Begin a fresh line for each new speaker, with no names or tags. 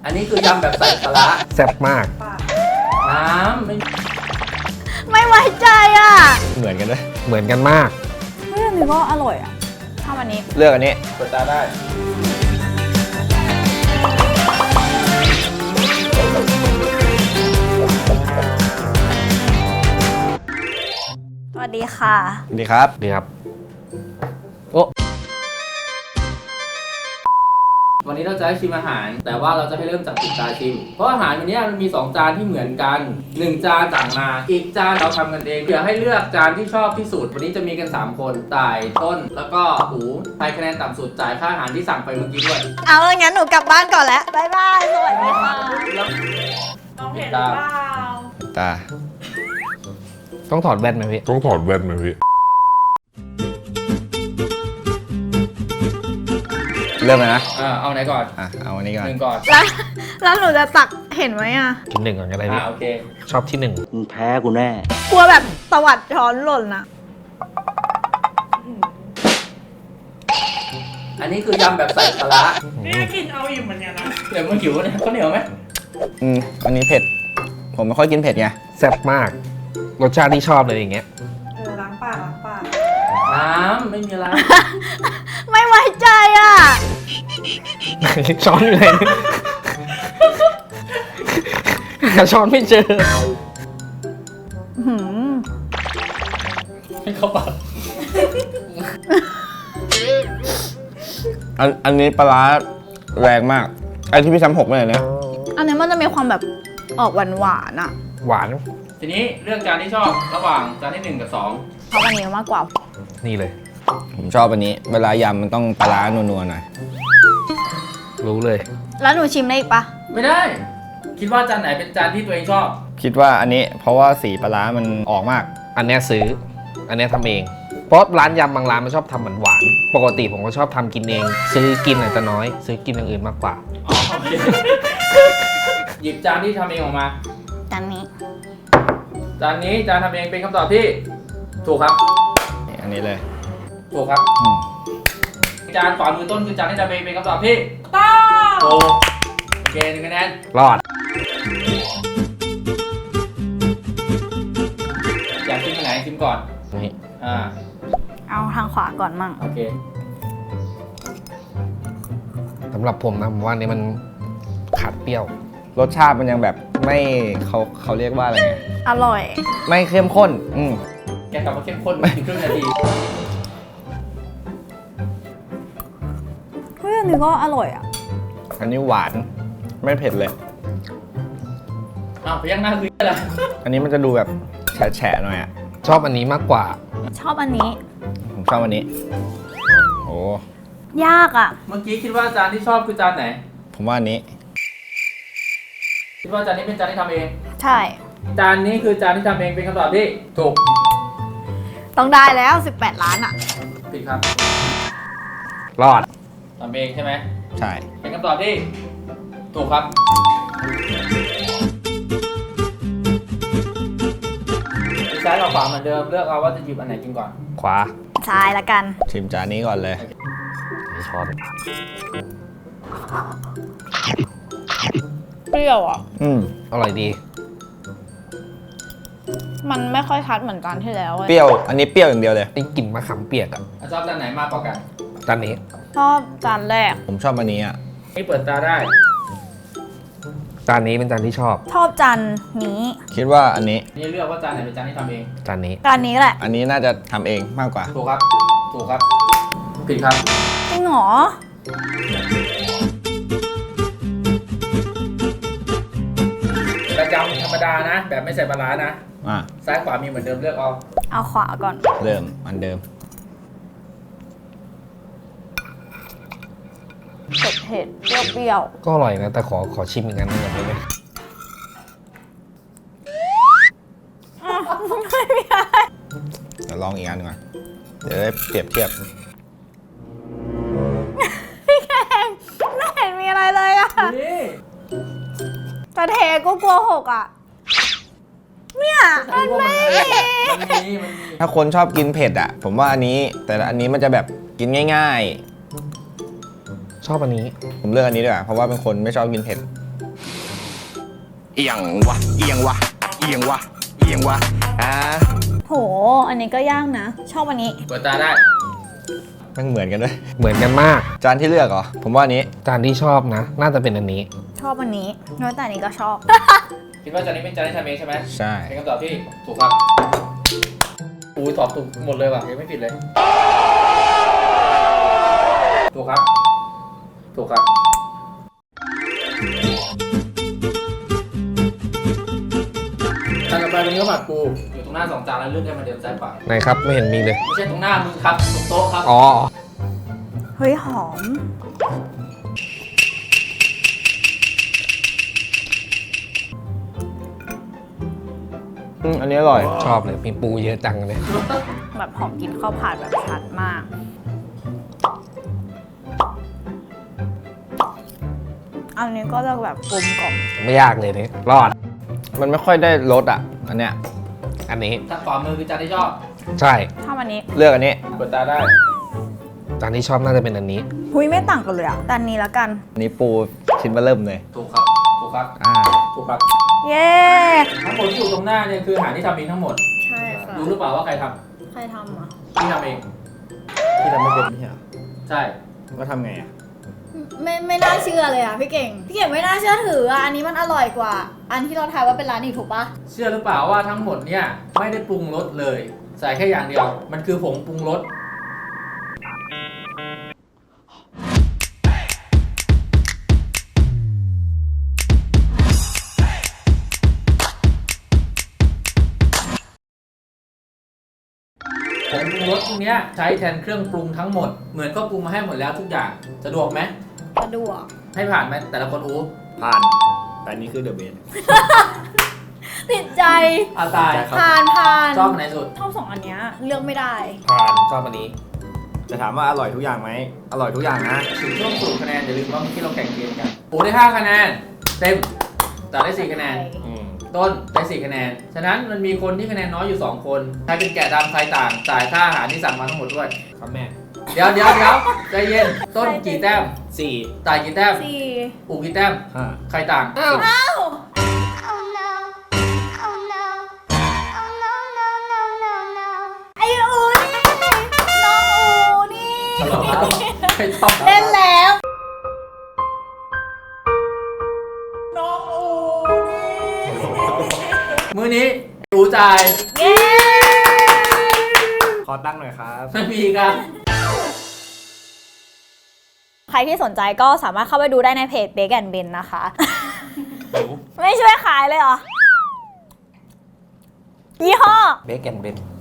อันนี้คือยำแบบใส่ปลาร้า
แซ่บมาก
น้ำ
ไม่ไว้ใจอ่ะ
เหมือนกันด้วย
เหมือนกันมาก
เฮ้ยอันนี้ก็อร่อยอ่ะชอบอันนี้
เลือกอันนี้
เปิดตาได้
สวัสดีค่ะ
ดีครับ
ดีครับ โอ้
วันนี้เราจะให้ชิมอาหาร แต่ว่าเราจะให้เริ่มจากปิดตาชิม เพราะอาหารวันนี้มันมี2จานที่เหมือนกัน1จานต่างมาอีกจานเราทำกันเองเดี๋ยวให้เลือกจานที่ชอบที่สุดวันนี้จะมีกัน3คนต่ายต้นแล้วก็หูใครคะแนนต่ำสุดจ่ายค่าอาหารที่สั่งไปเมื่อกี้ด้วย
เอางั้นหนูกลับบ้านก่อนแล้วบ๊ายบายสวัสดีค่ะ
น้องเห็นหรือเปล่า
ตา
ต้องถอดแว่นไหมพี่
ต้องถอดแว่นไหมพี่
เริ่มเลยนะ
เอาไหนก่อน
เอาอันนี้ก่อน
หนึ่งก่อน
แล้วหนูจะตักเห็นไหมอ่ะ
กินหนึ่งก่อนก็ได้พี่
โอเค
ชอบที่หนึ่ง
มึงแพ้กูแน่
กลัวแบบตวัดช้อนหล่นนะ
อันนี้คือยำแบบใส่ปลาร้า
นี่กินเอาอยู่เหมือนกันนะ
เดี๋ยวมันหิวเนี่ยข้าวเหนียวไหม
อันนี้เผ็ด ผมไม่ค่อยกินเผ็ดไง
แซ่บมาก รสชาติที่ชอบเลยอย่างเงี้ย
ล้างปากล้างปาก
น้ำไม่มีอะไร
ไม่ไว้ใจอ่ะ
ช้อนอยู่ไหนหาช้อนไม่เจอ
หืม
ให้เขาปาก
อันนี้ปลาร้าแรงมาก ไอ้ที่พี่ซ้ำหกไม่เลยเนี่ย
อันนี้มันจะมีความแบบออกหวานๆอ่ะ
หวาน
ทีนี้เลือกจานที่ชอบระหว่างจานที่1กับ2
ชอบอันนี้มากกว่า
นี่เลย
ผมชอบอันนี้ เวลายำมันต้องปลาร้านัวๆหน่อย
รู้เลย
แล้วหนูชิมได้อีกปะ
ไม่ได้ คิดว่าจานไหนเป็นจานที่ตัวเองชอบ
คิดว่าอันนี้เพราะว่าสีปลาร้ามันออกมาก
อันเนี้ยซื้อ อันเนี้ยทำเอง เพราะร้านยำบางร้านมันชอบทำหวานๆปกติผมก็ชอบทำกินเอง ซื้อกินอาจจะน้อย ซื้อกินอย่างอื่นมากกว่า
อ๋อโอเค หยิบจานที่ทำเองออกมา
จานนี้
จานนี้จานทำเองเป็นคำตอบที่ถูกครับ
อันนี้เลย
ถูกครับ
อืม
จานขวามือต้นคือจานที่ทำเองเป็นคำตอบที่
ต้อ
ถูกโอเค1คะแนน
รอด
อยากชิมอันไหนชิมก่อน
นี่
เอาทางขวาก่อนมั่ง
โอเค
สำหรับผมนะผมว่านี่มันขาดเปรี้ยว
รสชาติมันยังแบบไม่เขาเรียกว่าอะไรไง
อร่อย
ไม่เข้มข้น
แกกลับมาเข้มข้นอีกครึ่งนาที
เฮ้ยอันนี้ก็อร่อยอ่ะ
อันนี้หวาน ไม่เผ็ดเลย
พยักหน้าคืออะไร
อันนี้มันจะดูแบบแฉะๆหน่อยอ่ะ
ชอบอันนี้มากกว่า
ชอบอันนี้
ผมชอบอันนี้ โอ้
ยากอ่ะ
เมื่อกี้คิดว่าจานที่ชอบคือจานไหน
ผมว่าอันนี้
คิดว่าจานนี้เป็นจานที่ทำเอง
ใช่
จานนี้คือจานที่ทำเองเป็นคำตอบที่ถูก
ต้องได้แล้ว 18 ล้านอ่ะ
ผิดครับ
รอด
ทำเองใช่ไหม
ใช่
เป็นคำตอบที่ถูกครับซ้ายกับขวาเหมือนเดิมเลือกเอาว่าจะหยิบอันไหนกินก่อน
ขวา
ซ้ายละกัน
ชิมจานนี้ก่อนเลย
นี่ช้อน
เปรี้ยวอ่ะ
อร่อยดี
มันไม่ค่อยชัดเหมือนจานที่แล้ว
เปรี้ยว อันนี้เปรี้ยวอย่างเดียวเลย
ไอ้กลิ่นมะขามเปียกอะ
ชอบจานไหนมากกว่ากัน
จานนี้
ชอบจานแรก
ผมชอบอันนี้อ่ะ
นี่เปิดตาได้
จานนี้เป็นจานที่ชอบ
ชอบจานนี้
คิดว่าอันนี้
นี่เลือกว่าจานไหนเป็นจานที่ทำเอง
จานนี้
จานนี้แหละ
อันนี้น่าจะทำเองมากกว่า
ถูกครับ ถูกครับ ผิดครับ
จริงเหรอ
กระยำธรรมดานะ แบบไม่ใส่ปลาร้านะ
อ่ะ
ซ้ายขวามีเหมือนเดิมเลือกเอา
เอาขวาก่อน
เริ่มอันเดิม
เผ็ดๆเปรี้ยว
ก็อร่อยนะ แต่ขอชิมอีกอันหนึงก่อนได้ไหม
เดี๋ยวลองอีกอันหนึงก่อนเดี๋ยวได้เปรียบเทียบ
ๆพี่แขงไม่เห็นมีอะไรเลยอ่ะ
นี่
แต่เทก็กลัวหกอ่ะ เนี่ยมันไม่มี
มันมี
ถ้าคนชอบกินเผ็ดอ่ะ ผมว่าอันนี้ แต่อันนี้มันจะแบบกินง่าย
ชอบอันนี้
ๆ ผมเลือกอันนี้ดีกว่าเพราะว่าเป็นคนไม่ชอบกินเผ็ดเอียงวะเอียงวะเอียงวะเอียงวะ
โห อันนี้ก็ย่างนะ ชอบอันนี้
เปิดตาได้
มันเหมือนกันด้วย
เหมือนกันมาก
จานที่เลือกเหรอ ผมว่าอันนี้
จานที่ชอบนะ น่าจะเป็นอันนี้
ชอบอันนี้น้อยแต่อันนี้ก็ชอบ
คิดว่าจานนี้เป็นจานที่ทำเองใช่ไหม
ใช่
เป็นคำตอบที่ถูกครับอุ้ยตอบถูกหมดเลยว่ะยังไม่ผิดเลย ถูกครับ ถูกครับจานต่อไปเป็นข้าวผัดปูอยู่ตรงหน้า2 จานแล้วเลือกได้มาเดิมซ้ายขวา
ไหนครับไม่เห็นมีเลย
ไม่ใช่ตรงหน้ามึงครับตรงโต๊ะครับ
อ๋อ
เฮ้ยหอม
อันนี้อร่อย
ชอบเลยมีปูเยอะจังเลย
แบบหอมกินข้าวผัดแบบชัดมาก อันนี้ก็จะแบบกลมกล่อม
ไม่ยากเลยนี่รอด
มันไม่ค่อยได้รสอ่ะ อันเนี้ย
อันนี้
ทางขวามือคือจานที่ชอบ
ใช่
ชอบอันนี้
เลือกอันนี้
เปิดตาได้
จานที่ชอบน่าจะเป็นอันนี้
หุยไม่ต่างกันเลยอ่ะแต่อันนี้แล้วกัน
อันนี้ปูชิ้นเบอร์เริ่มเลย
ถูกครับ ถูกครับ ถูกครับ
เย้
ทั้งหมดที่อยู่ตรงหน้าเนี่ยคืออาหารที่ทำเองทั้งหมด
ใช่ค่ะ
รู้หรือเปล่าว่าใครท
ใครทำอ่ะ
ำที่ทำเอง
ที่ทำไม่เป็นไม่ใช่เหรอ
ใช่
ก็ทำไงอ่ะ
ไม่น่าเชื่อเลยอ่ะพี่เก่ง พี่เก่งไม่น่าเชื่อถืออ่ะ อันนี้มันอร่อยกว่า อันที่เราทายว่าเป็นร้านอีกถูกปะ
เชื่อหรือเปล่าว่าทั้งหมดเนี่ยไม่ได้ปรุงรสเลย ใส่แค่อย่างเดียว มันคือผงปรุงรส ผงปรุงรสพวกเนี้ยใช้แทนเครื่องปรุงทั้งหมด เหมือนก็ปรุงมาให้หมดแล้วทุกอย่าง สะดวกไหม
สะดวก
ให้ผ่านไหมแต่ละคนอู้
ผ่าน แต่อันนี้คือเดอะเบส
ติดใจ
อาตาย
ใช่ครับ
ผ่าน
ชอบอันไหนสุด
ชอบสองอันเนี้ยเลือกไม่ได้
ผ่าน
ชอบอันนี้
จะถามว่าอร่อยทุกอย่างไหม อร่อยทุกอย่างนะ
ถึงช่วงสูตรคะแนนอย่าลืมว่าเมื่อกี้เราแข่งเกมกันปูได้5 คะแนน เต็มต่อได้ 4 คะแนน
อืม
ต้นได้ 4 คะแนน ฉะนั้นมันมีคนที่คะแนนน้อยอยู่ 2 คน ใครเป็นแกะดำใครต่าง จ่ายค่าอาหารที่สั่งมาทั้งหมดด้วย
ครับแม่
เดี๋ยวใจเย็น ต้นกี่แต้ม
4
จ่ายกี่แต้ม
สี่
อูกี่แต้ม
5
ใครต่าง
อ้าว
Oh no. Oh no. Oh no, no, no, no, no.
ไอ้อูนี่น้องอูนี่
ใครต่าง
เล่นแล้ว
น้องอูนี่
มื้อนี้อูจ่าย
เย้
ขอตั้งหน่อยครับ
ไม่มีครับ
ใครที่สนใจก็สามารถเข้าไปดูได้ในเพจ Bake and Ben นะคะ ไม่ช่วยขายเลยเหรอ ยี่ห้อ
เบคแอนเบน